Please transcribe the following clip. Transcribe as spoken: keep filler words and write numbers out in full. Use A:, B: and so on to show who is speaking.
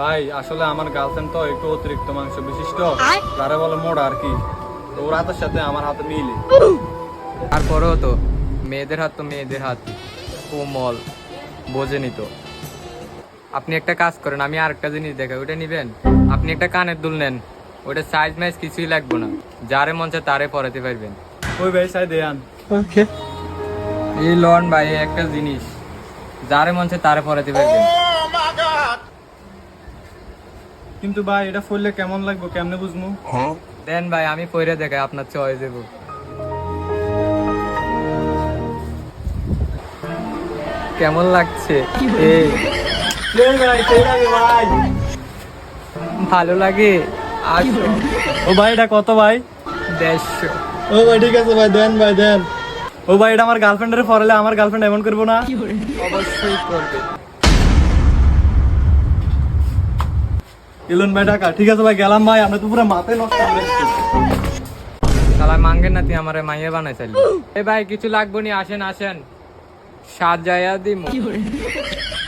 A: ভাই আসলে আমার গার্লফ্রেন্ড তো একটু অতিরিক্ত মাংস বিশিষ্ট, যারা বলে মোড়া আর কি। তো ওর হাতের সাথে আমার হাতে মিলে।
B: তারপরেও তো মেয়েদের হাত তো মেয়েদের হাত, কোমল, বোঝেনি তো। আপনি একটা কাজ করেন, আমি আরেকটা জিনিস দেখাই, ওইটা নিবেন? আপনি একটা কানের দুল নেন, ওইটা সাইজ মাইজ কিছুই লাগবে না, যারে মন চায় তারে পরাতে পারবেন।
A: ওই ভাই সাই দেয়ান।
B: ওকে, এই লন ভাই একটা জিনিস, যারে মন চায় তারে পরাতে পারবেন।
A: কিন্তু ভাই এটা ফুললে কেমন লাগবে, কেমনে বুঝবো?
B: দেন ভাই, আমি পরে দেখাই, আপনার চয়েস দেব। কেমন লাগছে? এই
A: ভাই
B: ভালো লাগে? আসো।
A: ও ভাই এটা কত ভাই?
B: দেড়শো।
A: ও ভাই ঠিক আছে ভাই, দেন ভাই দেন। ও ভাই এটা আমার গার্লফ্রেন্ডের পরালে আমার গার্লফ্রেন্ড এমন করবো না?
B: অবশ্যই করবে।
A: ইলন ভাই টাকা ঠিক আছে ভাই, গেলাম ভাই। আমরা তো পুরো মাথায় নষ্ট করে দিচ্ছি।
B: শালা মাঙ্গেন নাতি আমারে মাইয়া বানাই চাইলি। এ ভাই কিছু লাগবো নি, আসেন আসেন, সাজায়া দিমু।